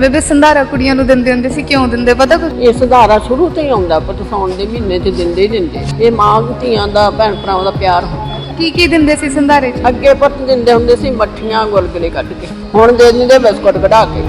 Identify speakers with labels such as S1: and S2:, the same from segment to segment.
S1: ਬੇਬੇ ਸੰਧਾਰਾ ਕੁੜੀਆਂ ਨੂੰ ਦਿੰਦੇ ਹੁੰਦੇ ਸੀ, ਕਿਉਂ ਦਿੰਦੇ ਪਤਾ ਕੁਝ?
S2: ਇਹ ਸੰਧਾਰਾ ਸ਼ੁਰੂ ਤੋਂ ਹੀ ਆਉਂਦਾ, ਪਰ ਸਾਉਣ ਦੇ ਮਹੀਨੇ 'ਚ ਦਿੰਦੇ ਹੀ ਦਿੰਦੇ। ਇਹ ਮਾਂ ਧੀਆਂ ਦਾ, ਭੈਣ ਭਰਾਵਾਂ ਦਾ ਪਿਆਰ ਹੁੰਦਾ।
S1: ਕੀ ਦਿੰਦੇ ਸੀ ਸੰਧਾਰੇ 'ਚ?
S2: ਅੱਗੇ ਪੁੱਤ ਦਿੰਦੇ ਹੁੰਦੇ ਸੀ ਮੱਠੀਆਂ, ਗੁਲਗੁਲੇ ਕੱਢ ਕੇ, ਹੁਣ ਦੇ ਦਿੰਦੇ ਬਿਸਕੁਟ ਕਢਾ ਕੇ।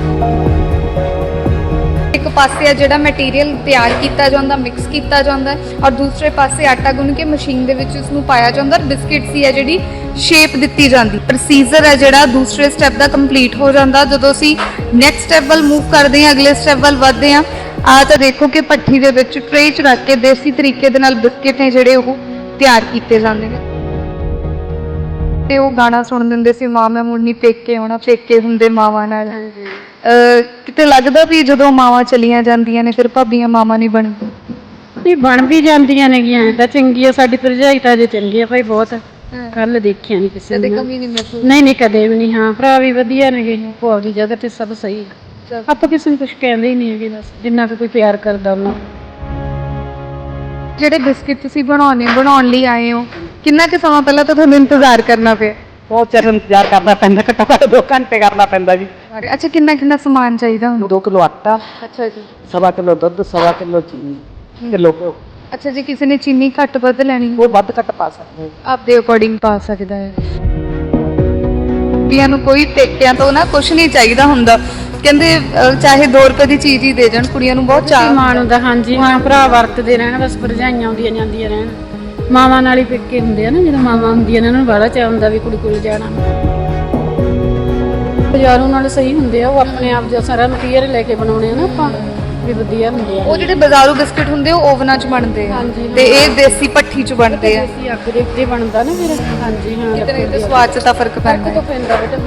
S1: ਇੱਕ ਪਾਸੇ ਆ ਜਿਹੜਾ ਮਟੀਰੀਅਲ ਤਿਆਰ ਕੀਤਾ ਜਾਂਦਾ, ਮਿਕਸ ਕੀਤਾ ਜਾਂਦਾ, ਔਰ ਦੂਸਰੇ ਪਾਸੇ ਆਟਾ ਗੁੰਨ ਕੇ ਮਸ਼ੀਨ ਦੇ ਵਿੱਚ ਉਸ ਨੂੰ ਪਾਇਆ ਜਾਂਦਾ, ਔਰ ਬਿਸਕਿਟ ਸੀ ਆ ਜਿਹੜੀ ਸ਼ੇਪ ਦਿੱਤੀ ਜਾਂਦੀ। ਪ੍ਰੋਸੀਜਰ ਹੈ ਜਿਹੜਾ ਦੂਸਰੇ ਸਟੈਪ ਦਾ ਕੰਪਲੀਟ ਹੋ ਜਾਂਦਾ। ਜਦੋਂ ਅਸੀਂ ਨੈਕਸਟ ਸਟੈਪ ਵੱਲ ਮੂਵ ਕਰਦੇ ਹਾਂ, ਅਗਲੇ ਸਟੈਪ ਵੱਲ ਵਧਦੇ ਹਾਂ, ਆ ਤਾਂ ਦੇਖੋ ਕਿ ਭੱਠੀ ਦੇ ਵਿੱਚ ਟ੍ਰੇ 'ਚ ਰੱਖ ਕੇ ਦੇਸੀ ਤਰੀਕੇ ਦੇ ਨਾਲ ਬਿਸਕਿਟ ਨੇ ਜਿਹੜੇ ਉਹ ਤਿਆਰ ਕੀਤੇ ਜਾਂਦੇ ਨੇ। ਤੇ ਉਹ ਗਾਣਾ ਸੁਣ ਦਿੰਦੇ ਸੀ, ਮਾਂ ਮੈਂ ਮੁੜਨੀ ਪੇਕੇ ਆਉਣਾ, ਪੇਕੇ ਹੁੰਦੇ ਮਾਵਾਂ ਨਾਲ। ਕਿਤੇ ਲੱਗਦਾ ਵੀ ਜਦੋਂ ਮਾਵਾਂ ਚਲੀਆਂ ਜਾਂਦੀਆਂ ਨੇ ਫਿਰ ਭਾਬੀਆਂ ਮਾਵਾਂ ਨਹੀਂ ਬਣਦੀਆਂ?
S3: ਨਹੀਂ, ਬਣ ਵੀ ਜਾਂਦੀਆਂ ਨੇਗੀਆਂ ਤਾਂ ਚੰਗੀ ਆ। ਸਾਡੀ ਭਰਜਾਈ ਤਾਂ ਅਜੇ ਚੰਗੀ ਆ ਭਾਈ, ਬਹੁਤ ਕੱਲ ਦੇਖਿਆ ਨਹੀਂ ਕਿਸੇ
S1: ਕਦੇ
S3: ਨੇ।
S1: ਕਮੀ ਨਹੀਂ ਮਹਿਸੂਸ?
S3: ਨਹੀਂ ਕਦੇ ਵੀ ਨਹੀਂ। ਹਾਂ, ਭਰਾ ਵੀ ਵਧੀਆ ਨੇਗੇ, ਭੂਆ ਦੀ ਜਗ੍ਹਾ ਤੇ ਸਭ ਸਹੀ। ਆਪਾਂ ਕਿਸੇ ਨੂੰ ਕੁਝ ਕਹਿੰਦੇ ਹੀ ਨਹੀਂ ਹੈਗੇ, ਬਸ ਜਿੰਨਾ ਕੁ ਕੋਈ ਪਿਆਰ ਕਰਦਾ ਉਹਨਾਂ।
S1: ਜਿਹੜੇ ਬਿਸਕਿਟ ਤੁਸੀਂ ਬਣਾਉਣ ਲਈ ਆਏ ਹੋ, ਕਿੰਨਾ ਕੁ ਸਮਾਂ ਪਹਿਲਾਂ ਤਾਂ ਤੁਹਾਨੂੰ ਇੰਤਜ਼ਾਰ ਕਰਨਾ ਪਿਆ?
S4: ਬਹੁਤ ਚਿਰ ਇੰਤਜ਼ਾਰ ਕਰਨਾ ਪੈਂਦਾ, ਘੱਟੋ ਘੱਟ 2 ਘੰਟੇ ਕਰਨਾ ਪੈਂਦਾ ਜੀ।
S1: ਅੱਛਾ, ਕਿੰਨਾ ਸਮਾਨ ਚਾਹੀਦਾ ਹੁੰਦਾ?
S4: 2 ਕਿਲੋ ਆਟਾ,
S1: ਅੱਛਾ ਜੀ,
S4: 1.25 ਕਿਲੋ ਦੁੱਧ, 1.25 ਕਿਲੋ ਚੀਨੀ, ਕਿਲੋ ਘਿਓ।
S1: ਅੱਛਾ ਜੀ, ਕਿਸੇ ਨੇ ਚੀਨੀ ਘੱਟ ਵੱਧ ਲੈਣੀ
S4: ਉਹ ਵੱਧ ਘੱਟ ਪਾ ਸਕਦੇ
S1: ਆਪਦੇ ਅਕੋਰਡਿੰਗ ਪਾ ਸਕਦਾ ਹੈ। ਕੁੜੀਆਂ ਨੂੰ ਕੋਈ ਪੇਕਿਆਂ ਤੋਂ ਨਾ ਕੁਝ ਨਹੀਂ ਚਾਹੀਦਾ ਹੁੰਦਾ, ਕਹਿੰਦੇ ਚਾਹੇ 2 ਰੁਪਏ ਦੀ ਚੀਜ਼ ਹੀ ਦੇ ਜਾਣ, ਕੁੜੀਆਂ ਨੂੰ ਬਹੁਤ ਚਾਅ
S3: ਮਾਣ ਹੁੰਦਾ। ਹਾਂਜੀ ਹਾਂ, ਭਰਾ ਵਰਤਦੇ ਰਹਿਣ, ਬਸ ਭਰਜਾਈਆਂ ਆਉਂਦੀਆਂ ਜਾਂਦੀਆਂ ਰਹਿਣ। ਮਾਵਾਂ ਨਾਲ ਹੀ ਪੇਕੇ ਹੁੰਦੇ ਆ ਨਾ, ਜਦੋਂ ਮਾਵਾਂ ਹੁੰਦੀਆਂ ਨੇ ਉਹਨਾਂ ਨੂੰ ਬੜਾ ਚਾਅ ਹੁੰਦਾ ਵੀ ਕੁੜੀ ਕੋਲ ਜਾਣਾ। ਬਾਜ਼ਾਰੋਂ ਨਾਲ ਸਹੀ ਹੁੰਦੇ ਆ, ਉਹ ਆਪਣੇ ਆਪ ਦਾ ਸਾਰਾ ਮਟੀਰੀਅਲ ਲੈ ਕੇ ਬਣਾਉਣੇ ਆ ਨਾ ਆਪਾਂ, ਵੀ ਵਧੀਆ ਹੁੰਦੇ ਆ।
S1: ਉਹ ਜਿਹੜੇ ਬਾਜ਼ਾਰੂ ਬਿਸਕਿਟ ਹੁੰਦੇ ਉਹ ਓਵਨਾਂ 'ਚ ਬਣਦੇ ਆ, ਤੇ ਇਹ ਦੇਸੀ ਭੱਠੀ 'ਚ ਬਣਦੇ ਆ।
S3: ਦੇਸੀ ਅੱਗ ਦੇ ਉੱਤੇ ਬਣਦਾ ਨਾ ਫਿਰ। ਹਾਂਜੀ ਹਾਂ,
S1: ਕਿਤੇ ਨਾ ਕਿਤੇ ਸਵਾਦ 'ਚ ਤਾਂ ਫਰਕ ਪੈਂਦਾ ਹੈ।
S3: ਪੈਂਦਾ ਬੇਟਾ।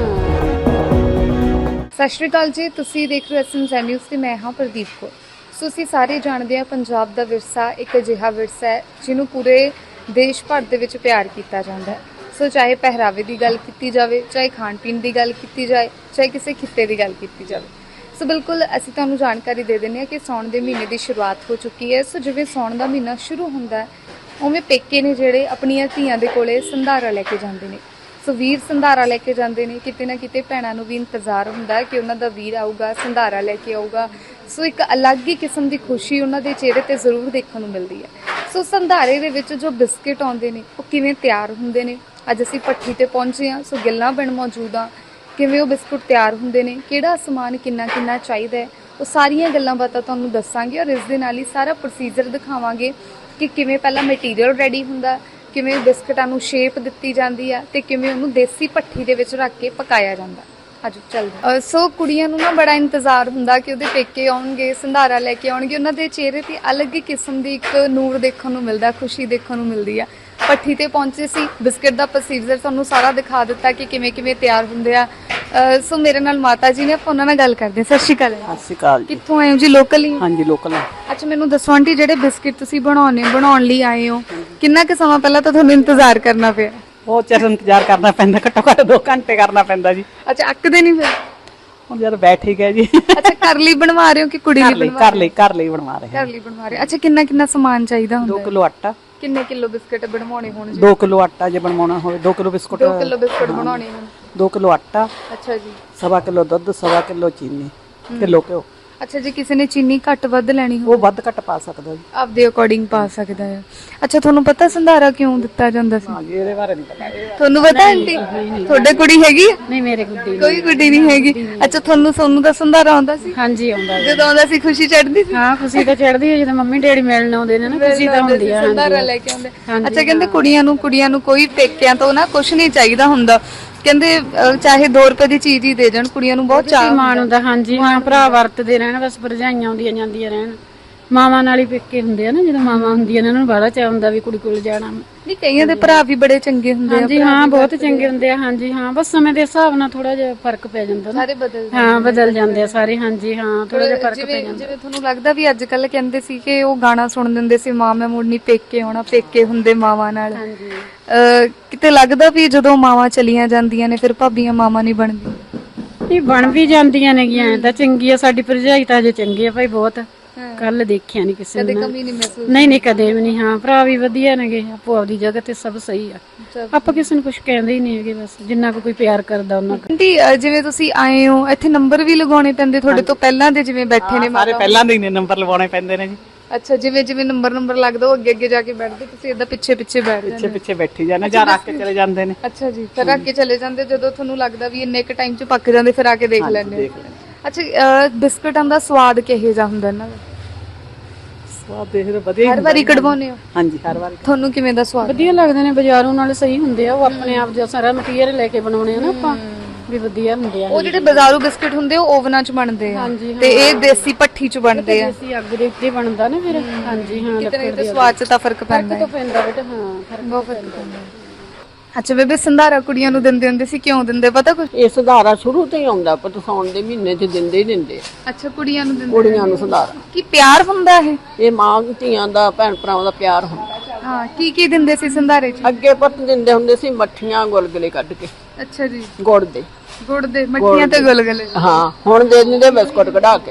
S3: ਹਾਂ,
S1: ਸਤਿ ਸ਼੍ਰੀ ਅਕਾਲ ਜੀ, ਤੁਸੀਂ ਦੇਖ ਰਹੇ ਹੋ SMZ ਨਿਊਜ਼ ਤੇ ਮੈਂ ਹਾਂ ਪ੍ਰਦੀਪ ਕੌਰ। ਸੋ ਅਸੀਂ ਸਾਰੇ ਜਾਣਦੇ ਹਾਂ ਪੰਜਾਬ ਦਾ ਵਿਰਸਾ ਇੱਕ ਅਜਿਹਾ ਵਿਰਸਾ ਹੈ ਜਿਹਨੂੰ ਪੂਰੇ ਦੇਸ਼ ਭਰ ਦੇ ਵਿੱਚ ਪਿਆਰ ਕੀਤਾ ਜਾਂਦਾ ਹੈ। ਸੋ ਚਾਹੇ ਪਹਿਰਾਵੇ ਦੀ ਗੱਲ ਕੀਤੀ ਜਾਵੇ, ਚਾਹੇ ਖਾਣ ਪੀਣ ਦੀ ਗੱਲ ਕੀਤੀ ਜਾਏ, ਚਾਹੇ ਕਿਸੇ ਖਿੱਤੇ ਦੀ ਗੱਲ ਕੀਤੀ ਜਾਵੇ। ਸੋ ਬਿਲਕੁਲ ਅਸੀਂ ਤੁਹਾਨੂੰ ਜਾਣਕਾਰੀ ਦੇ ਦਿੰਦੇ ਹਾਂ ਕਿ ਸਾਉਣ ਦੇ ਮਹੀਨੇ ਦੀ ਸ਼ੁਰੂਆਤ ਹੋ ਚੁੱਕੀ ਹੈ। ਸੋ ਜਿਵੇਂ ਸਾਉਣ ਦਾ ਮਹੀਨਾ ਸ਼ੁਰੂ ਹੁੰਦਾ ਹੈ, ਉਵੇਂ ਪੇਕੇ ਨੇ ਜਿਹੜੇ ਆਪਣੀਆਂ ਧੀਆਂ ਦੇ ਕੋਲੇ ਸੰਧਾਰਾ ਲੈ ਕੇ ਜਾਂਦੇ ਨੇ। ਸੋ ਵੀਰ ਸੰਧਾਰਾ ਲੈ ਕੇ ਜਾਂਦੇ ਨੇ। ਕਿਤੇ ਨਾ ਕਿਤੇ ਭੈਣਾਂ ਨੂੰ ਵੀ ਇੰਤਜ਼ਾਰ ਹੁੰਦਾ ਕਿ ਉਹਨਾਂ ਦਾ ਵੀਰ ਆਊਗਾ, ਸੰਧਾਰਾ ਲੈ ਕੇ ਆਊਗਾ। ਸੋ ਇੱਕ ਅਲੱਗ ਹੀ ਕਿਸਮ ਦੀ ਖੁਸ਼ੀ ਉਹਨਾਂ ਦੇ ਚਿਹਰੇ ਤੇ ਜ਼ਰੂਰ ਦੇਖਣ ਨੂੰ ਮਿਲਦੀ ਹੈ। ਸੋ ਸੰਧਾਰੇ ਦੇ ਵਿੱਚ ਜੋ ਬਿਸਕਿਟ ਆਉਂਦੇ ਨੇ ਉਹ ਕਿਵੇਂ ਤਿਆਰ ਹੁੰਦੇ ਨੇ, ਅੱਜ ਅਸੀਂ ਭੱਠੀ ਤੇ ਪਹੁੰਚੇ ਹਾਂ। ਸੋ ਗਿੱਲਾਂ ਪਿੰਡ ਮੌਜੂਦ ਹਾਂ, ਕਿਵੇਂ ਉਹ ਬਿਸਕੁਟ ਤਿਆਰ ਹੁੰਦੇ ਨੇ, ਕਿਹੜਾ ਸਮਾਨ ਕਿੰਨਾ ਚਾਹੀਦਾ ਹੈ, ਉਹ ਸਾਰੀਆਂ ਗੱਲਾਂ ਬਾਤਾਂ ਤੁਹਾਨੂੰ ਦੱਸਾਂਗੇ। ਔਰ ਇਸ ਦੇ ਨਾਲ ਹੀ ਸਾਰਾ ਪ੍ਰੋਸੀਜਰ ਦਿਖਾਵਾਂਗੇ ਕਿ ਕਿਵੇਂ ਪਹਿਲਾਂ ਮਟੀਰੀਅਲ ਰੈਡੀ ਹੁੰਦਾ, ਕਿਵੇਂ ਬਿਸਕਟਾਂ ਨੂੰ ਸ਼ੇਪ ਦਿੱਤੀ ਜਾਂਦੀ ਆ, ਤੇ ਕਿਵੇਂ ਉਹਨੂੰ ਦੇਸੀ ਭੱਠੀ ਦੇ ਵਿੱਚ ਰੱਖ ਕੇ ਪਕਾਇਆ ਜਾਂਦਾ। ਅੱਜ ਚੱਲਦਾ। ਸੋ ਕੁੜੀਆਂ ਨੂੰ ਨਾ ਬੜਾ ਇੰਤਜ਼ਾਰ ਹੁੰਦਾ ਕਿ ਉਹਦੇ ਪੇਕੇ ਆਉਣਗੇ, ਸੰਧਾਰਾ ਲੈ ਕੇ ਆਉਣਗੇ। ਉਹਨਾਂ ਦੇ ਚਿਹਰੇ ਤੇ ਅਲੱਗ ਹੀ ਕਿਸਮ ਦੀ ਇੱਕ ਨੂਰ ਦੇਖਣ ਨੂੰ ਮਿਲਦਾ, ਖੁਸ਼ੀ ਦੇਖਣ ਨੂੰ ਮਿਲਦੀ ਆ। ਭੱਠੀ ਤੇ ਪਹੁੰਚੇ ਸੀ, ਬਿਸਕਟ ਦਾ ਪ੍ਰੋਸੀਜਰ ਤੁਹਾਨੂੰ ਸਾਰਾ ਦਿਖਾ ਦਿੱਤਾ ਕਿ ਕਿਵੇਂ ਤਿਆਰ ਹੁੰਦੇ ਆ। ਸੋ ਮੇਰੇ ਨਾਲ ਮਾਤਾ ਜੀ ਨੇ, ਆਪਾਂ ਉਹਨਾਂ ਨਾਲ ਗੱਲ ਕਰਦੇ ਹਾਂ। ਸਤਿ ਸ਼੍ਰੀ ਅਕਾਲ।
S4: ਸਤਿ ਸ਼੍ਰੀ ਅਕਾਲ ਜੀ।
S1: ਕਿੱਥੋਂ ਆਏ ਹੋ ਜੀ? ਲੋਕਲ ਹੀ?
S4: ਹਾਂਜੀ, ਲੋਕਲ।
S1: ਅੱਛਾ, ਮੈਨੂੰ ਦੱਸੋ ਆਂਟੀ, ਜਿਹੜੇ ਬਿਸਕਿਟ ਤੁਸੀਂ ਬਣਾਉਣ ਲਈ ਆਏ ਹੋ, ਕਿੰਨਾ ਕੁ ਸਮਾਂ ਪਹਿਲਾਂ ਤਾਂ ਤੁਹਾਨੂੰ ਇੰਤਜ਼ਾਰ ਕਰਨਾ ਪਿਆ?
S4: ਬਹੁਤ ਚਿਰ ਇੰਤਜ਼ਾਰ ਕਰਨਾ ਪੈਂਦਾ, ਘੱਟੋ ਘੱਟ 2 ਘੰਟੇ ਕਰਨਾ ਪੈਂਦਾ ਜੀ।
S1: ਅੱਛਾ, ਅੱਕਦੇ ਨਹੀਂ ਫਿਰ?
S4: ਹੁਣ ਜਦ ਬੈਠ ਹੀ ਗਏ ਜੀ।
S1: ਅੱਛਾ, ਘਰ ਲਈ ਬਣਵਾ ਰਹੇ ਹੋ ਕਿ ਕੁੜੀ ਲਈ ਬਣਵਾ?
S4: ਘਰ ਲਈ ਬਣਵਾ ਰਹੇ
S1: ਘਰ ਲਈ ਬਣਵਾ ਰਹੇ। ਅੱਛਾ, ਕਿੰਨਾ ਸਮਾਨ ਚਾਹੀਦਾ ਹੁੰਦਾ?
S4: 2 ਕਿਲੋ ਆਟਾ।
S1: ਕਿੰਨੇ ਕਿਲੋ ਬਿਸਕਟ ਬਣਵਾਉਣੇ ਹੋਣ ਜੀ?
S4: 2 ਕਿਲੋ ਆਟਾ ਜੇ ਬਣਵਾਉਣਾ ਹੋਵੇ, 2 ਕਿਲੋ ਬਿਸਕੁਟ।
S1: 2 ਕਿਲੋ ਬਿਸਕਟ ਬਣਾਉਣੇ ਹੋਣ।
S4: 2 ਕਿਲੋ ਆਟਾ।
S1: ਅੱਛਾ ਜੀ,
S4: 1.25 ਕਿਲੋ ਦੁੱਧ, 1.25 ਕਿਲੋ ਚੀਨੀ, ਕਿਲੋ ਘਿਓ।
S1: ਅੱਛਾ ਜੀ, ਕਿਸੇ ਨੇ ਚੀਨੀ ਘੱਟ ਵੱਧ ਲੈਣੀ ਹੋ
S4: ਉਹ ਵੱਧ ਘੱਟ ਪਾ ਸਕਦਾ ਜੀ,
S1: ਆਪਦੇ ਅਕੋਰਡਿੰਗ ਪਾ ਸਕਦਾ ਹੈ। ਅੱਛਾ, ਤੁਹਾਨੂੰ ਪਤਾ ਸੰਧਾਰਾ ਕਿਉਂ ਦਿੱਤਾ ਜਾਂਦਾ ਸੀ?
S4: ਹਾਂਜੀ, ਇਹਦੇ ਬਾਰੇ ਨਹੀਂ ਪਤਾ।
S1: ਤੁਹਾਨੂੰ ਪਤਾ ਆਂਟੀ? ਤੁਹਾਡੇ ਕੁੜੀ ਹੈਗੀ?
S3: ਨਹੀਂ, ਮੇਰੇ ਗੁੱਡੀ
S1: ਕੋਈ ਗੁੱਡੀ ਨਹੀਂ ਹੈਗੀ। ਅੱਛਾ, ਤੁਹਾਨੂੰ ਦਾ ਸੰਧਾਰਾ ਆਉਂਦਾ ਸੀ?
S3: ਹਾਂਜੀ ਆਉਂਦਾ।
S1: ਜਦੋਂ ਆਉਂਦਾ ਸੀ ਖੁਸ਼ੀ ਚੜ੍ਹਦੀ ਸੀ?
S3: ਹਾਂ, ਖੁਸ਼ੀ ਤਾਂ ਚੜ੍ਹਦੀ ਹੈ ਜਦੋਂ ਮੰਮੀ ਡੈਡੀ ਮਿਲਣ ਆਉਂਦੇ ਨੇ ਨਾ, ਖੁਸ਼ੀ ਤਾਂ ਹੁੰਦੀ ਆ।
S1: ਸੰਧਾਰਾ ਲੈ ਕੇ ਆਉਂਦੇ। ਅੱਛਾ, ਕਹਿੰਦੇ ਕੁੜੀਆਂ ਨੂੰ ਕੋਈ ਪੇਕਿਆਂ ਤੋਂ ਨਾ ਕੁਝ ਨਹੀਂ ਚਾਹੀਦਾ ਹੁੰਦਾ, ਕਹਿੰਦੇ ਚਾਹੇ 2 ਰੁਪਏ ਦੀ ਚੀਜ਼ ਹੀ ਦੇ ਜਾਣ, ਕੁੜੀਆਂ ਨੂੰ ਬਹੁਤ ਚਾਅ
S3: ਮਾਣ ਹੁੰਦਾ। ਹਾਂਜੀ ਹਾਂ, ਭਰਾ ਵਰਤਦੇ ਰਹਿਣ, ਬਸ ਭਰਜਾਈਆਂ ਆਉਂਦੀਆਂ ਜਾਂਦੀਆਂ ਰਹਿਣ। ਮਾਵਾਂ ਨਾਲ ਹੀ ਪੇਕੇ ਹੁੰਦੇ ਆ ਨਾ, ਜਦੋਂ ਮਾਵਾਂ ਹੁੰਦੀਆਂ ਨੇ ਉਹਨਾਂ ਨੂੰ ਬੜਾ ਚਾਅ ਹੁੰਦਾ ਵੀ ਕੁੜੀ ਕੋਲ ਜਾਣਾ।
S1: ਨਹੀਂ, ਕਈਆਂ ਦੇ ਭਰਾ ਵੀ ਬੜੇ ਚੰਗੇ ਹੁੰਦੇ ਆ।
S3: ਹਾਂਜੀ ਹਾਂ, ਬਹੁਤ ਚੰਗੇ ਹੁੰਦੇ ਆ। ਹਾਂਜੀ ਹਾਂ, ਬਸ ਸਮੇਂ ਦੇ ਹਿਸਾਬ ਨਾਲ ਥੋੜਾ ਜਿਹਾ ਫਰਕ ਪੈ ਜਾਂਦਾ ਨਾ।
S1: ਸਾਰੇ ਬਦਲ
S3: ਬਦਲ ਜਾਂਦੇ ਆ ਸਾਰੇ। ਹਾਂਜੀ ਹਾਂ, ਥੋੜਾ ਜਿਹਾ ਫਰਕ ਪੈ ਜਾਂਦਾ।
S1: ਜਿਵੇਂ ਤੁਹਾਨੂੰ ਲੱਗਦਾ ਵੀ ਅੱਜ ਕੱਲ ਕਹਿੰਦੇ ਸੀ ਕਿ ਉਹ ਗਾਣਾ ਸੁਣ ਦਿੰਦੇ ਸੀ, ਮਾਂ ਮੈਂ ਮੁੜਨੀ ਪੇਕੇ ਆਉਣਾ, ਪੇਕੇ ਹੁੰਦੇ ਮਾਵਾਂ ਨਾਲ।
S3: ਹਾਂਜੀ,
S1: ਕਿਤੇ ਲੱਗਦਾ ਵੀ ਜਦੋਂ ਮਾਵਾਂ ਚਲੀਆਂ ਜਾਂਦੀਆਂ ਨੇ ਫਿਰ ਭਾਬੀਆਂ ਮਾਵਾਂ ਨਹੀਂ ਬਣਦੀਆਂ?
S3: ਇਹ ਬਣ ਵੀ ਜਾਂਦੀਆਂ ਨੇਗੀਆਂ ਤਾਂ ਚੰਗੀ ਆ। ਸਾਡੀ ਭਰਜਾਈ ਤਾਂ ਅਜੇ ਚੰਗੀ ਆ ਭਾਈ, ਬਹੁਤ ਕੱਲ ਦੇਖਿਆ ਨਹੀਂ ਕਿਸੇ
S1: ਕਦੇ
S3: ਨੂੰ
S1: ਕਮੀ ਨਹੀਂ ਮਹਿਸੂਸ?
S3: ਨਹੀਂ ਨਹੀਂ ਕਦੇ ਵੀ ਨਹੀਂ। ਹਾਂ ਭਰਾ ਵੀ ਵਧੀਆ ਨੇਗੇ, ਆਪੋ ਆਪਦੀ ਜਗ੍ਹਾ ਤੇ ਸਭ ਸਹੀ ਆ।
S1: ਸਭ
S3: ਆਪਾਂ ਕਿਸੇ ਨੂੰ ਕੁਝ ਕਹਿੰਦੇ ਹੀ ਨਹੀਂ ਹੈਗੇ, ਬਸ ਜਿੰਨਾ ਕੁ ਕੋਈ ਪਿਆਰ ਕਰਦਾ ਉਹਨਾਂ ਕੁ।
S1: ਆਂਟੀ ਜਿਵੇਂ ਤੁਸੀਂ ਆਏ ਹੋ ਇੱਥੇ ਨੰਬਰ ਵੀ ਲਗਾਉਣੇ ਪੈਂਦੇ ਤੁਹਾਡੇ ਤੋਂ ਪਹਿਲਾਂ ਦੇ ਜਿਵੇਂ ਬੈਠੇ ਨੇ
S4: ਸਾਰੇ ਪਹਿਲਾਂ ਦੇ ਹੀ ਨੇ ਨੰਬਰ ਲਵਾਉਣੇ ਪੈਂਦੇ ਨੇ ਜੀ।
S1: ਅੱਛਾ ਜਿਵੇਂ ਜਿਵੇਂ ਨੰਬਰ ਲੱਗਦਾ ਉਹ ਅੱਗੇ ਅੱਗੇ ਜਾ ਕੇ ਬੈਠਦੇ ਤੁਸੀਂ ਏਦਾਂ ਪਿੱਛੇ ਪਿੱਛੇ ਬੈਠ ਜਾਂਦੇ
S4: ਪਿੱਛੇ ਪਿੱਛੇ ਬੈਠੀ ਜਾਂਦੇ ਜਾਂ ਰੱਖ ਕੇ ਚਲੇ ਜਾਂਦੇ ਨੇ।
S1: ਅੱਛਾ ਜੀ ਫਿਰ ਅੱਗੇ ਚਲੇ ਜਾਂਦੇ ਜਦੋਂ ਤੁਹਾਨੂੰ ਲੱਗਦਾ ਵੀ ਇੰਨੇ ਕ ਟਾਈਮ ਚ ਪੱਕ ਜਾਂਦੇ ਫਿਰ ਆ ਕੇ ਦੇਖ ਲੈਂਦੇ ਹੋ।
S4: ਦੇਖ ਲੈਂਦੇ।
S1: ਅੱਛਾ ਬਿਸਕਟਾਂ ਦਾ ਸਵਾਦ ਕਿਹੋ ਜਿਹਾ ਹੁੰਦਾ ਇਹਨਾਂ ਦਾ?
S4: ਸਵਾਦ ਦੇਖਦੇ ਵਧੀਆ
S1: ਹਰ ਵਾਰੀ ਕਢਵਾਉਂਦੇ ਹੋ?
S4: ਹਾਂਜੀ ਹਰ ਵਾਰ।
S1: ਤੁਹਾਨੂੰ ਕਿਵੇਂ ਦਾ ਸਵਾਦ?
S3: ਵਧੀਆ ਲੱਗਦੇ ਨੇ, ਬਾਜ਼ਾਰੋਂ ਨਾਲ ਸਹੀ ਹੁੰਦੇ ਆ। ਉਹ ਆਪਣੇ ਆਪ ਦਾ ਸਾਰਾ ਮਟੀਰੀਅਲ ਲੈ ਕੇ ਬਣਾਉਣੇ ਆ ਨਾ ਆਪਾਂ, ਵੀ ਵਧੀਆ ਹੁੰਦੇ ਆ।
S1: ਉਹ ਜਿਹੜੇ ਬਾਜ਼ਾਰੂ ਬਿਸਕਟ ਹੁੰਦੇ ਉਹ ਓਵਨਾਂ 'ਚ ਬਣਦੇ ਆ
S3: ਹਾਂਜੀ,
S1: ਤੇ ਇਹ ਦੇਸੀ ਭੱਠੀ 'ਚ ਬਣਦੇ ਆ।
S3: ਅਸੀਂ ਅੱਗ ਦੇ ਉੱਤੇ ਬਣਦਾ ਨਾ ਫਿਰ। ਹਾਂਜੀ ਹਾਂ,
S1: ਕਿਤੇ ਨਾ ਕਿਤੇ ਸਵਾਦ 'ਚ ਤਾਂ ਫਰਕ ਪੈਂਦਾ
S3: ਤਾਂ ਪੈਂਦਾ ਬੇਟਾ। ਹਾਂ ਫਰਕ
S1: ਬਹੁਤ ਫਰਕ ਪੈਂਦਾ। ਅੱਛਾ ਬੇਬੇ ਸੰਧਾਰਾ ਕੁੜੀਆਂ ਨੂੰ ਦਿੰਦੇ ਹੁੰਦੇ ਸੀ, ਕਿਉਂ ਦਿੰਦੇ ਪਤਾ ਕੁਝ?
S2: ਇਹ ਸੰਧਾਰਾ ਸ਼ੁਰੂ ਤੋਂ ਹੀ ਆਉਂਦਾ ਪੁੱਤ, ਸਾਉਣ ਦੇ ਮਹੀਨੇ 'ਚ ਦਿੰਦੇ ਹੀ ਦਿੰਦੇ ਆ
S1: ਅੱਛਾ ਕੁੜੀਆਂ ਨੂੰ ਦਿੰਦੇ
S2: ਕੁੜੀਆਂ ਨੂੰ ਸੰਧਾਰਾ।
S1: ਕੀ ਪਿਆਰ ਹੁੰਦਾ ਇਹ?
S2: ਇਹ ਮਾਂ ਧੀਆਂ ਦਾ, ਭੈਣ ਭਰਾਵਾਂ ਦਾ ਪਿਆਰ ਹੁੰਦਾ।
S1: ਹਾਂ ਕੀ ਦਿੰਦੇ ਸੀ ਸੰਧਾਰੇ 'ਚ?
S2: ਅੱਗੇ ਪੁੱਤ ਦਿੰਦੇ ਹੁੰਦੇ ਸੀ ਮੱਠੀਆਂ ਗੁਲਗੁਲੇ ਕੱਢ ਕੇ,
S1: ਅੱਛਾ ਜੀ
S2: ਗੁੜ ਦੇ।
S1: ਗੁੜ ਦੇ ਮੱਠੀਆਂ ਤੇ ਗੁਲਗੁਲੇ।
S2: ਹਾਂ ਹੁਣ ਦੇ ਦਿੰਦੇ ਬਿਸਕੁਟ ਕਢਾ ਕੇ।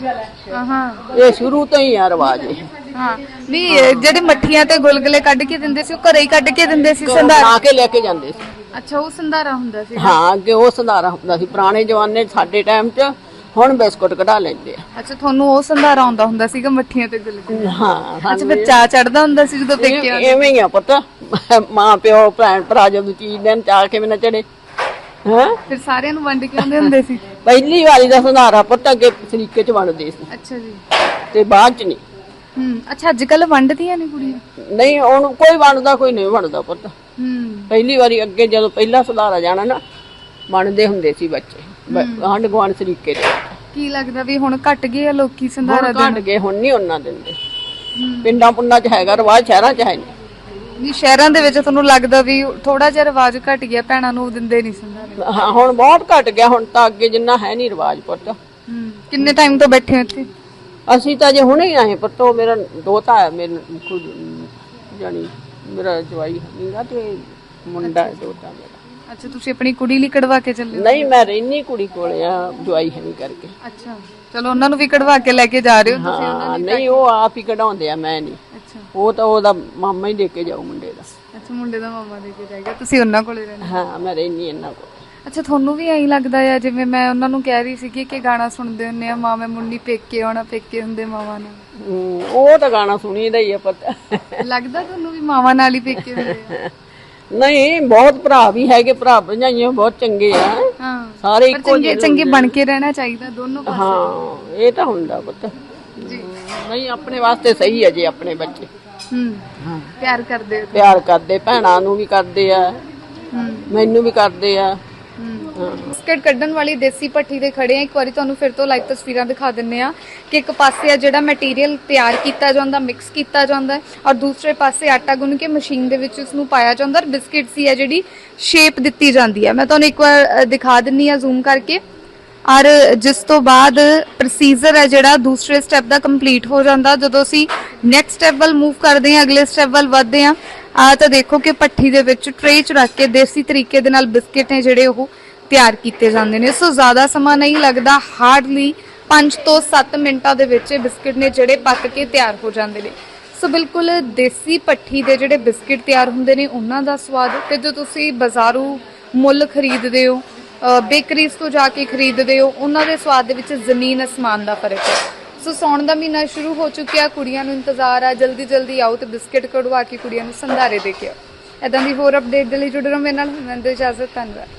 S1: ਹਾਂ
S2: ਇਹ ਸ਼ੁਰੂ ਤੋਂ ਹੀ ਆ ਰਿਵਾਜ ਇਹ।
S1: ਹਾਂ ਨਹੀਂ ਜਿਹੜੇ ਮੱਠੀਆਂ ਤੇ ਗੁਲਗੁਲੇ ਕੱਢ ਕੇ ਦਿੰਦੇ ਸੀ ਉਹ ਘਰੇ ਹੀ ਕੱਢ ਕੇ ਦਿੰਦੇ ਸੀ ਸੰਧਾਰਾ?
S2: ਬਣਾ ਕੇ ਲੈ ਕੇ ਜਾਂਦੇ ਸੀ।
S1: ਅੱਛਾ ਉਹ ਸੰਧਾਰਾ ਹੁੰਦਾ ਸੀ।
S2: ਹਾਂ ਅੱਗੇ ਉਹ ਸੰਧਾਰਾ ਹੁੰਦਾ ਸੀ ਪੁਰਾਣੇ ਜ਼ਮਾਨੇ 'ਚ, ਸਾਡੇ ਟਾਈਮ 'ਚ। ਹੁਣ ਬਿਸਕੁਟ ਕਢਾ ਲੈਂਦੇ ਆ।
S1: ਅੱਛਾ ਤੁਹਾਨੂੰ ਉਹ ਸੰਧਾਰਾ ਆਉਂਦਾ ਹੁੰਦਾ ਸੀਗਾ ਮੱਠੀਆਂ ਤੇ ਗੁਲਗੁਲੇ?
S2: ਹਾਂ
S1: ਅੱਛਾ ਫਿਰ ਚਾਹ ਚੜਦਾ ਹੁੰਦਾ ਸੀ ਜਦੋਂ ਪੇਕੇ ਆਉਂਦੇ?
S2: ਐਵੇਂ ਹੀ ਆ ਪੁੱਤ, ਮਾਂ ਪਿਓ ਭੈਣ ਭਰਾ ਜਦੋਂ ਚੀਜ਼ ਦੇਣ ਚਾਹ ਕਿਵੇਂ ਨਾ ਚੜੇ। ਹਾਂ
S1: ਫਿਰ ਸਾਰਿਆਂ ਨੂੰ ਵੰਡ ਕੇ ਆਉਂਦੇ ਹੁੰਦੇ ਸੀ?
S2: ਪਹਿਲੀ ਵਾਰੀ ਦਾ ਸੰਧਾਰਾ ਪੁੱਤ ਅੱਗੇ ਸਰੀਕੇ 'ਚ ਵੰਡਦੇ ਸੀ
S1: ਅੱਛਾ ਜੀ।
S2: ਤੇ ਬਾਅਦ 'ਚ ਨਹੀਂ।
S1: ਅੱਛਾ ਅੱਜ ਕੱਲ ਵੰਡਦੀਆਂ ਨੇ ਕੁੜੀਆਂ?
S2: ਨਹੀਂ ਹੁਣ ਕੋਈ ਵੰਡਦਾ ਕੋਈ ਨਹੀਂ ਵੰਡਦਾ ਪੁੱਤ।
S1: ਹੂੰ
S2: ਪਹਿਲੀ ਵਾਰੀ ਅੱਗੇ ਜਦੋਂ ਪਹਿਲਾ ਸੰਧਾਰਾ ਜਾਣਾ ਨਾ ਵੰਡਦੇ ਹੁੰਦੇ ਸੀ ਬੱਚੇ ਆਂਢ ਗੁਆਂਢ ਸਰੀਕੇ ਦੇ।
S1: ਕੀ ਲੱਗਦਾ ਵੀ ਹੁਣ ਘਟ ਗਏ ਆ ਲੋਕੀ ਸੰਧਾਰਾ
S2: ਹੁਣ ਘਟ ਗਏ, ਹੁਣ ਨਹੀਂ ਉਹਨਾਂ ਦਿੰਦੇ। ਪਿੰਡਾਂ ਪੁੰਡਾਂ 'ਚ ਹੈਗਾ ਰਿਵਾਜ, ਸ਼ਹਿਰਾਂ 'ਚ ਹੈ ਨਹੀਂ।
S1: ਵੀ ਸ਼ਹਿਰਾਂ ਦੇ ਵਿੱਚ ਤੁਹਾਨੂੰ ਲੱਗਦਾ ਵੀ ਥੋੜਾ ਜਿਹਾ ਰਿਵਾਜ ਘਟ ਗਿਆ, ਭੈਣਾਂ ਨੂੰ ਦਿੰਦੇ ਨਹੀਂ ਸੰਧਾਰੇ?
S2: ਹਾਂ ਹੁਣ ਬਹੁਤ ਘਟ ਗਿਆ, ਹੁਣ ਤਾਂ ਅੱਗੇ ਜਿੰਨਾ ਹੈ ਨਹੀਂ ਰਿਵਾਜ ਪੁੱਤ।
S1: ਕਿੰਨੇ ਟਾਈਮ ਤੋਂ ਬੈਠੇ ਹੋ ਇੱਥੇ?
S2: ਅਸੀਂ ਤਾਂ ਜੇ ਹੁਣੇ ਹੀ ਆਏ ਪੁੱਤ। ਉਹ ਮੇਰਾ ਦੋਤਾ ਹੈ, ਮੇਰੇ ਖੁਦ ਜਾਨੀ ਮੇਰਾ ਜਵਾਈ ਨਹੀਂਗਾ ਤੇ ਮੁੰਡਾ ਹੈ ਦੋਤਾ ਮੇਰਾ।
S1: ਅੱਛਾ ਤੁਸੀਂ ਆਪਣੀ ਕੁੜੀ ਲਈ ਕਢਵਾ ਕੇ ਚੱਲੇ ਹੋ?
S2: ਨਹੀਂ ਮੈਂ ਰਹਿਨੀ ਕੁੜੀ ਕੋਲੇ ਆ, ਜਵਾਈ ਹੈ ਨਹੀਂ ਕਰਕੇ।
S1: ਅੱਛਾ ਚਲੋ ਉਹਨਾਂ ਨੂੰ ਵੀ ਕਢਵਾ ਕੇ ਲੈ ਕੇ ਜਾ ਰਹੇ ਹੋ ਤੁਸੀਂ?
S2: ਹਾਂ ਨਹੀਂ ਉਹ ਆਪ ਹੀ ਕਢਾਉਂਦੇ ਆ, ਮੈਂ ਨਹੀਂ।
S1: ਅੱਛਾ
S2: ਉਹ ਤਾਂ ਉਹਦਾ ਮਾਮਾ ਹੀ ਦੇ ਕੇ ਜਾਊ ਮੁੰਡੇ ਦਾ।
S1: ਅੱਛਾ ਮੁੰਡੇ ਦਾ ਮਾਮਾ ਦੇ ਕੇ ਜਾਏਗਾ, ਤੁਸੀਂ ਉਹਨਾਂ ਕੋਲੇ ਰਹਿਣਾ?
S2: ਹਾਂ ਮੈਂ ਰਹਿਨੀ ਇਹਨਾਂ ਕੋਲ।
S1: ਅੱਛਾ ਤੁਹਾਨੂੰ ਵੀ ਐਂ ਲੱਗਦਾ ਆ ਜਿਵੇਂ ਮੈਂ ਉਹਨਾਂ ਨੂੰ ਕਹਿ ਰਹੀ ਸੀ ਕਿ ਗਾਣਾ ਸੁਣਦੇ ਹੁੰਦੇ ਆ ਮਾਂ ਮੈਂ ਮੁੰਨੀ ਪੇਕੇ ਆਉਣਾ, ਪੇਕੇ ਹੁੰਦੇ ਮਾਵਾਂ ਨਾਲ?
S2: ਉਹ ਤਾਂ ਗਾਣਾ ਸੁਣੀਦਾ ਹੀ ਆ ਪਤਾ।
S1: ਲੱਗਦਾ ਤੁਹਾਨੂੰ ਵੀ ਮਾਵਾਂ ਨਾਲ ਹੀ ਪੇਕੇ ਹੁੰਦੇ ਆ?
S2: ਨਹੀਂ ਬਹੁਤ ਭਰਾ ਵੀ ਹੈਗੇ, ਭਰਾ ਭਰਜਾਈਆਂ ਬਹੁਤ ਚੰਗੇ ਆ।
S1: ਹਾਂ
S2: ਸਾਰੇ
S1: ਪਰ
S2: ਇੱਕੋ
S1: ਚੰਗੇ ਚੰਗੇ ਬਣ ਕੇ ਰਹਿਣਾ ਚਾਹੀਦਾ ਦੋਨੋਂ ਪਾਸੇ।
S2: ਹਾਂ ਇਹ ਤਾਂ ਹੁੰਦਾ ਪੁੱਤ
S1: ਜੀ
S2: ਨਹੀਂ ਆਪਣੇ ਵਾਸਤੇ ਸਹੀ ਹੈ ਜੇ ਆਪਣੇ ਬੱਚੇ
S1: ਹਾਂ ਪਿਆਰ ਕਰਦੇ ਹੋ?
S2: ਪਿਆਰ ਕਰਦੇ, ਭੈਣਾਂ ਨੂੰ ਵੀ ਕਰਦੇ ਆ, ਮੈਨੂੰ ਵੀ ਕਰਦੇ ਆ।
S1: ਬਿਸਕਟ ਕੱਢਣ ਵਾਲੀ ਦੇਸੀ ਭੱਠੀ ਦੇ ਖੜੇ ਆ। ਇੱਕ ਵਾਰੀ ਤੁਹਾਨੂੰ ਫਿਰ ਤੋਂ ਲਾਈਵ ਤਸਵੀਰਾਂ ਦਿਖਾ ਦਿੰਨੇ ਆ ਕਿ ਇੱਕ ਪਾਸੇ ਆ ਜਿਹੜਾ ਮਟੀਰੀਅਲ ਤਿਆਰ ਕੀਤਾ ਜਾਂਦਾ, ਮਿਕਸ ਕੀਤਾ ਜਾਂਦਾ ਔਰ ਦੂਸਰੇ ਪਾਸੇ ਆਟਾ ਗੁੰਨ ਕੇ ਮਸ਼ੀਨ ਦੇ ਵਿੱਚ ਉਸ ਨੂੰ ਪਾਇਆ ਜਾਂਦਾ ਔਰ ਬਿਸਕਟ ਸੀ ਆ ਜਿਹੜੀ ਸ਼ੇਪ ਦਿੱਤੀ ਜਾਂਦੀ ਹੈ। ਮੈਂ ਤੁਹਾਨੂੰ ਇੱਕ ਵਾਰ ਦਿਖਾ ਦਿੰਨੀ ਆ ਜ਼ੂਮ ਕਰਕੇ। ਔਰ ਜਿਸ ਤੋਂ ਬਾਅਦ ਪ੍ਰੋਸੀਜਰ ਹੈ ਜਿਹੜਾ ਦੂਸਰੇ ਸਟੈਪ ਦਾ ਕੰਪਲੀਟ ਹੋ ਜਾਂਦਾ। ਜਦੋਂ ਅਸੀਂ ਨੈਕਸਟ ਸਟੈਪ ਵੱਲ ਮੂਵ ਕਰਦੇ ਹਾਂ, ਅਗਲੇ ਸਟੈਪ ਵੱਲ ਵਧਦੇ ਹਾਂ, ਤਾਂ ਦੇਖੋ ਕਿ ਭੱਠੀ ਦੇ ਵਿੱਚ ਟਰੇ 'ਚ ਰੱਖ ਕੇ ਦੇਸੀ ਤਰੀਕੇ ਦੇ ਨਾਲ ਬਿਸਕਟ ਨੇ ਜਿਹੜੇ ਉਹ ਤਿਆਰ ਕੀਤੇ ਜਾਂਦੇ ਨੇ। ਸੋ ਜ਼ਿਆਦਾ ਸਮਾਂ ਨਹੀਂ ਲੱਗਦਾ, ਹਾਰਡਲੀ 5 ਤੋਂ 7 ਮਿੰਟਾਂ ਦੇ ਵਿੱਚ ਇਹ ਬਿਸਕਟ ਨੇ ਜਿਹੜੇ ਪੱਕ ਕੇ ਤਿਆਰ ਹੋ ਜਾਂਦੇ ਨੇ। ਸੋ ਬਿਲਕੁਲ ਦੇਸੀ ਭੱਠੀ ਦੇ ਜਿਹੜੇ ਬਿਸਕਟ ਤਿਆਰ ਹੁੰਦੇ ਨੇ ਉਹਨਾਂ ਦਾ ਸਵਾਦ ਤੇ ਜੋ ਤੁਸੀਂ ਬਾਜ਼ਾਰੂ ਮੁੱਲ ਖਰੀਦਦੇ ਹੋ, ਬੇਕਰੀਜ਼ ਤੋਂ ਜਾ ਕੇ ਖਰੀਦਦੇ ਹੋ, ਉਹਨਾਂ ਦੇ ਸਵਾਦ ਦੇ ਵਿੱਚ ਜ਼ਮੀਨ ਅਸਮਾਨ ਦਾ ਫਰਕ ਹੈ। ਸੋ ਸਾਉਣ ਦਾ ਮਹੀਨਾ ਸ਼ੁਰੂ ਹੋ ਚੁੱਕਿਆ, ਕੁੜੀਆਂ ਨੂੰ ਇੰਤਜ਼ਾਰ ਆ ਜਲਦੀ ਜਲਦੀ ਆਓ ਤੇ ਬਿਸਕਟ ਕਢਵਾ ਕੇ ਕੁੜੀਆਂ ਨੂੰ ਸੰਧਾਰੇ ਦੇ ਕੇ ਆਓ। ਇਦਾਂ ਦੀ ਹੋਰ ਅਪਡੇਟ ਦੇ ਲਈ ਜੁੜੇ ਰਹੋ ਮੇਰੇ ਨਾਲ। ਮੈਂ ਦਿਓ ਇਜਾਜ਼ਤ, ਧੰਨਵਾਦ।